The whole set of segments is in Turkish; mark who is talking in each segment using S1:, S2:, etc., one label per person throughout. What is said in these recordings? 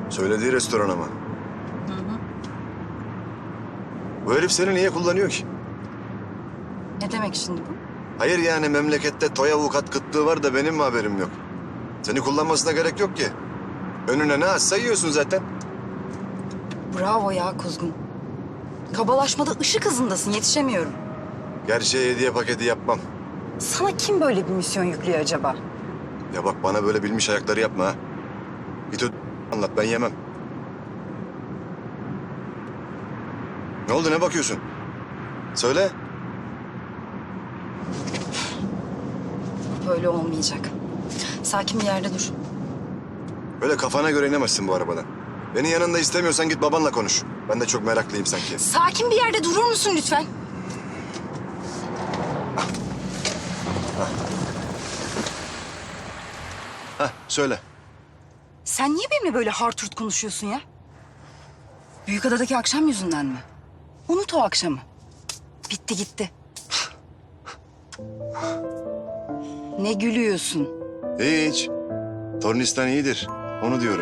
S1: Söylediği restoran ama.
S2: Hı hı.
S1: Bu herif seni niye kullanıyor ki?
S2: Ne demek şimdi bu?
S1: Hayır yani memlekette toy avukat kıtlığı var da benim mi haberim yok? Seni kullanmasına gerek yok ki. Önüne ne açsa yiyorsun zaten.
S2: Bravo ya Kuzgun. Kabalaşmada ışık hızındasın, yetişemiyorum.
S1: Gerçeği hediye paketi yapmam.
S2: Sana kim böyle bir misyon yüklüyor acaba?
S1: Ya bak bana böyle bilmiş ayakları yapma ha. Git anlat ben yemem. Ne oldu ne bakıyorsun? Söyle.
S2: Böyle olmayacak. Sakin bir yerde dur.
S1: Böyle kafana göre inemezsin bu arabadan. Beni yanında istemiyorsan git babanla konuş. Ben de çok meraklıyım sanki.
S2: Sakin bir yerde durur musun lütfen?
S1: Hah söyle.
S2: Sen niye benimle böyle hart konuşuyorsun ya? Büyükada'daki akşam yüzünden mi? Unut o akşamı. Bitti gitti. Ne gülüyorsun?
S1: Hiç. Tornistan iyidir. Onu diyorum.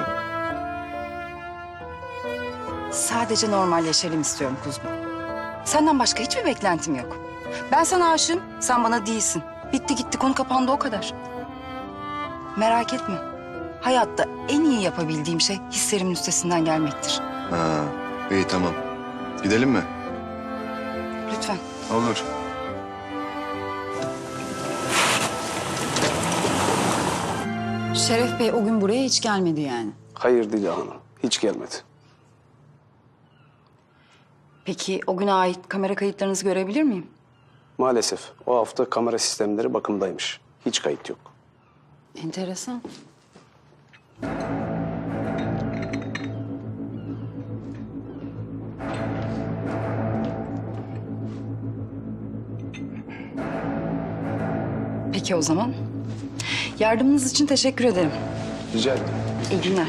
S2: Sadece normalleşelim istiyorum Kuzgun. Senden başka hiçbir beklentim yok. Ben sana aşığım, sen bana değilsin. Bitti gitti, konu kapandı o kadar. Merak etme. Hayatta en iyi yapabildiğim şey hislerimin üstesinden gelmektir.
S1: Ha, iyi tamam. Gidelim mi?
S2: Lütfen.
S1: Olur.
S3: Şeref Bey o gün buraya hiç gelmedi yani.
S4: Hayır Dila Hanım, hiç gelmedi.
S2: Peki o güne ait kamera kayıtlarınızı görebilir miyim?
S4: Maalesef o hafta kamera sistemleri bakımdaymış. Hiç kayıt yok.
S3: Enteresan.
S2: Peki o zaman. Yardımınız için teşekkür ederim.
S4: Rica ederim.
S2: İyi günler.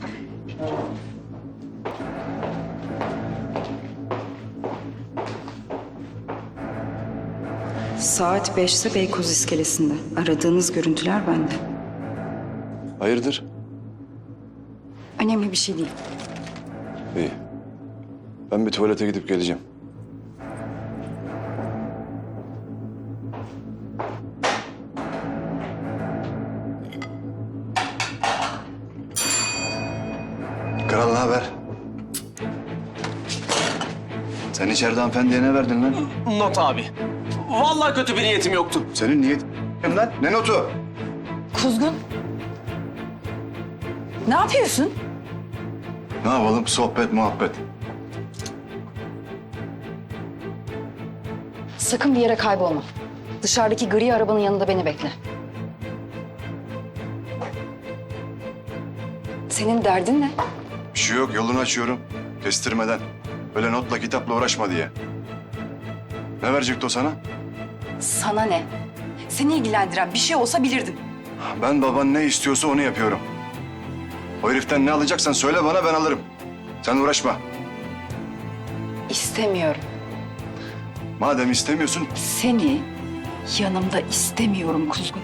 S2: Saat 5'te Beykoz iskelesinde. Aradığınız görüntüler bende.
S1: Hayırdır?
S2: Önemli bir şey değil.
S1: İyi. Ben bir tuvalete gidip geleceğim. Kral ne haber? Sen içeride hanımefendiye ne verdin lan?
S5: Not abi. Vallahi kötü bir niyetim yoktu.
S1: Senin niyetin lan? Ne notu?
S2: Kuzgun. Ne yapıyorsun?
S1: Ne yapalım? Sohbet, muhabbet.
S2: Sakın bir yere kaybolma. Dışarıdaki gri arabanın yanında beni bekle. Senin derdin ne?
S1: Bir şey yok, yolunu açıyorum. Kestirmeden. Öyle notla, kitapla uğraşma diye. Ne verecekti o sana?
S2: Sana ne? Seni ilgilendiren bir şey olsa bilirdim.
S1: Ben baban ne istiyorsa onu yapıyorum. O heriften ne alacaksan söyle bana, ben alırım. Sen uğraşma.
S2: İstemiyorum.
S1: Madem istemiyorsun,
S2: Seni yanımda istemiyorum Kuzgun.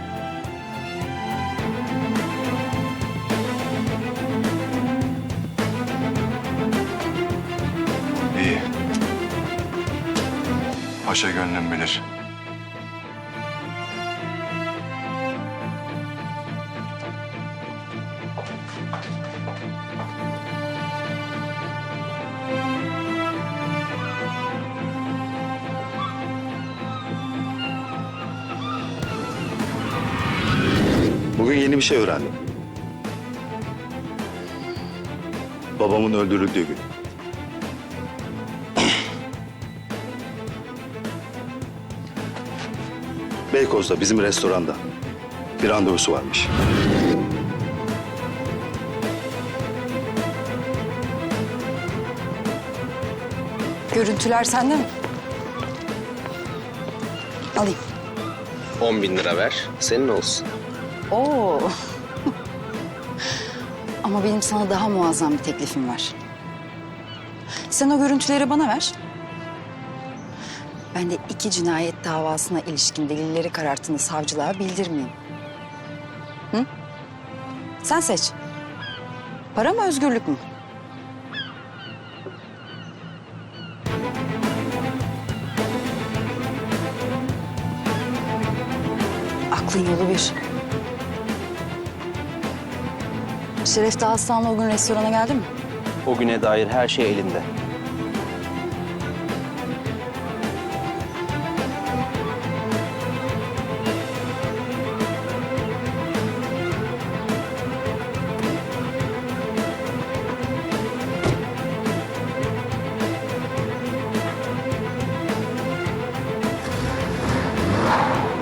S1: iyi. Paşa gönlüm bilir.
S6: Bugün yeni bir şey öğrendim. Babamın öldürüldüğü gün. Beykoz'da bizim restoranda bir randevusu varmış.
S2: Görüntüler sende mi? Alayım.
S5: 10.000 lira ver, senin olsun.
S2: Oo. Ama benim sana daha muazzam bir teklifim var. Sen o görüntüleri bana ver. Ben de 2 cinayet davasına ilişkin delilleri kararttığını savcılığa bildirmeyeyim. Hı? Sen seç. Para mı, özgürlük mü? Aklın yolu bir. Şeref Dağıstan'la o gün restorana geldi mi?
S7: O güne dair her şey elinde.